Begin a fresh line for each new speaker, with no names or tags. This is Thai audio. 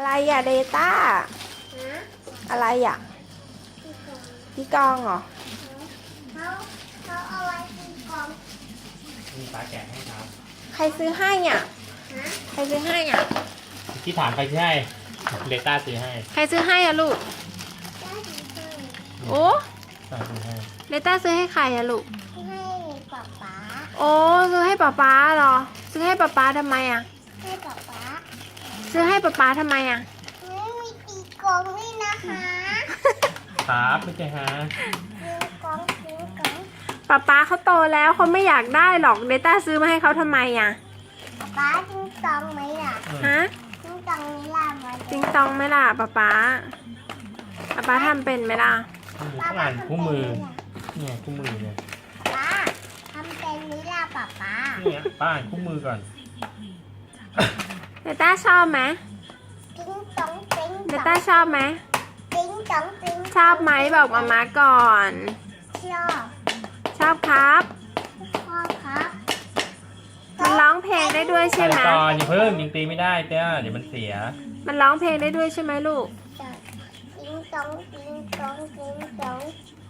อะไรอ่ะเดต้า
ฮะ
อะไรอ่ะพี่กองเหรอ
เขาเอาไว้ตีกลอง
มีปลาแกะให้ครับ
ใครซื้อให้อ่ะ
ฮะ
ใครซื้อให้อ่ะ
ที่ถามใครซื้อให้เลต้าซื้อให้
ใครซื้อให้อ่ะลูก
ได้ดีเลย
โอ้
ต้าซื้อให้
เดต้าซื้อให้ใครอ่ะลูก
ให้ป๊าป๊า
โอ้ซื้อให้ป๊าป๊าเหรอซื้อให้ป๊าป๊าทำไมอ่ะ
ให้ป๊าป๊า
ซื้อให้ป๊าป๊าทำไมอ่ะ
ไม่มีตีกลองด้วยนะคะ
ครับไม่ใช่ฮะ
ตีกลองตีกลอง
ป๊าป๊าเขาโตแล้วเขาไม่อยากได้หรอกเดต้าซื้อมาให้เขาทำไมอ่ะ
ป๊าป๊าตีกลองไหมล่ะ
ฮะ
ตีกลองไหมล่ะมา
จิงตองไหมล่ะป๊าป๊าป๊าป๊าทำเป็นไหมล่ะ
ต้องอ่านคู่มือเนี่ยคู่มือเนี่ย
ป๊าทำเป็นไหมล่ะป๊าป๊า
เนี่ยป้าอ่านคู่มือก่อน
เดต้าชอบไหม
ติ้งตองติ้ง
เด
ตอ
ต้าง ชอบไหม
ติ้งตองติ้ง
ชอบไหมบอกมาม่าก่อน
ชอบ
ชอบครับ
ชอบครับ
มันร้องเพลงได้ด้วยใช่ไหม
ก่อนอย่าเพิ่งยังตีไม่ได้เต้าเดี๋ยวมันเสีย
มันร้องเพลงได้ด้วยใช่ไหมลูก
ติ้งตองติ้งตองติ้งตอง